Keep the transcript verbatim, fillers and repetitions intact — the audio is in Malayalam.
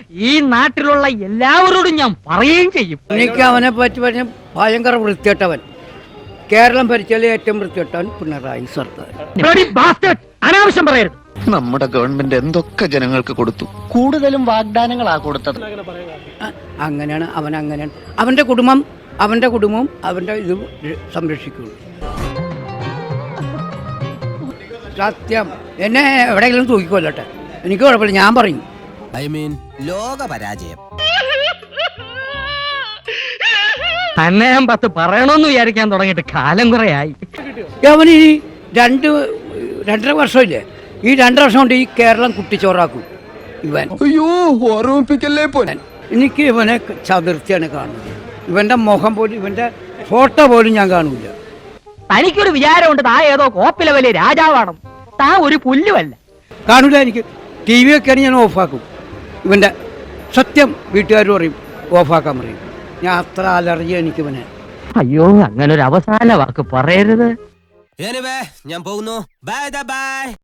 ഈ നാട്ടിലുള്ള എല്ലാവരോടും ഞാൻ പറയുകയും ചെയ്യും. എനിക്ക് അവനെ പറ്റി പറഞ്ഞ ഭയങ്കര വൃത്തികെട്ടവൻ. കേരളം ഭരിച്ചാലേ ഏറ്റവും വൃത്തികെട്ടവൻ പിണറായി സർക്കാർ. അനാവശ്യം പറയരുത്. നമ്മുടെ ഗവൺമെന്റ് എന്തൊക്കെ ജനങ്ങൾക്ക് കൊടുത്തു. കൂടുതലും വാഗ്ദാനങ്ങളാ കൊടുത്തത്. അങ്ങനെയാണ് അവൻ, അങ്ങനെയാണ് അവന്റെ കുടുംബം, അവന്റെ കുടുംബവും അവന്റെ ഇതും സംരക്ഷിക്കുള്ളൂ. സത്യം. എന്നെ എവിടെയെങ്കിലും തൂക്കിക്കൊല്ലട്ടെ, എനിക്ക് കുഴപ്പമില്ല, ഞാൻ പറയും. ഐ മീൻ ലോക പരാജയം. തന്നെ ഞാൻ പത്ത് പറയണമെന്ന് വിചാരിക്കാൻ തുടങ്ങിയിട്ട് കാലം കുറയായി. അവന് ഈ രണ്ട് രണ്ടര വർഷമില്ലേ, ഈ രണ്ടര വർഷം കൊണ്ട് ഈ കേരളം കുട്ടിച്ചോറാക്കും ഇവൻ. അയ്യോ, ഓർമ്മിപ്പിക്കല്ലേ പോലെ. എനിക്ക് ഇവനെ ചതുർത്ഥിയാണ് കാണുന്നത്. ഇവന്റെ മുഖം പോലും, ഇവന്റെ ഫോട്ടോ പോലും ഞാൻ കാണൂല. തനിക്കൊരു വിചാരമുണ്ട് താ ഏതോ കോപ്പിലെ വലിയ രാജാവാണ്. താ ഒരു പുല്ലുമല്ല. കാണൂല. എനിക്ക് ടി വി ഒക്കെയാണ് ഞാൻ ഓഫാക്കും. ഇവന്റെ സത്യം വീട്ടുകാർ പറയും ഓഫാക്കാൻ പറയും. ഞാൻ അത്ര അലർജി എനിക്ക് ഇവനെ. അയ്യോ, അങ്ങനെ ഒരു അവസാന വാക്ക് പറയരുത്. ഞാൻ പോകുന്നു. Bye by.